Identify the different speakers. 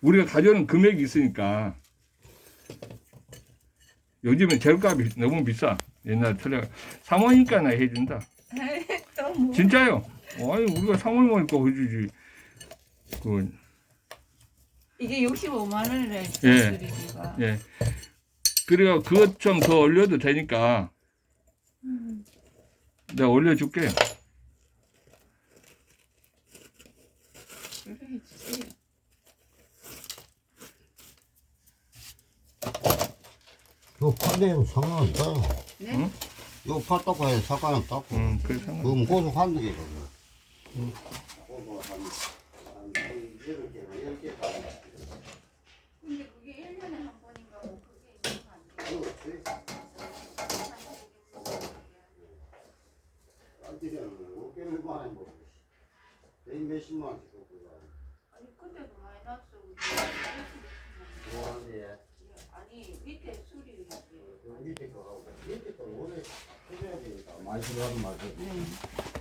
Speaker 1: 우리가 가져오는 금액이 있으니까. 요즘엔 재료값이 너무 비싸. 옛날 철학 사모니까나 해준다.
Speaker 2: 또 뭐.
Speaker 1: 진짜요. 아니 우리가 사모니까 해주지. 그
Speaker 2: 이게 65만 원이래.
Speaker 1: 예.
Speaker 2: 드리기가.
Speaker 1: 예. 그래가 그것 좀 더 올려도 되니까 내가 올려줄게.
Speaker 2: 그래 해주세요.
Speaker 3: 요 판대는 상관없다.
Speaker 2: 네?
Speaker 1: 응?
Speaker 3: 요 팔떡 해서 상관없다.
Speaker 1: 그래 상관.
Speaker 3: 그럼 고속하는 게 거든.
Speaker 2: 근데 그게 1년에 한 번인가 뭐 그게 있는 거 아니에요?
Speaker 3: 몇십만 원씩 줬구나.
Speaker 2: 아니 그때도 많이 났어.
Speaker 3: 좋아하는데
Speaker 2: 아니 밑에 수리
Speaker 3: 밑에 거하고 밑에 거 원래 해줘야 되니까 많이 들어가는 말이지.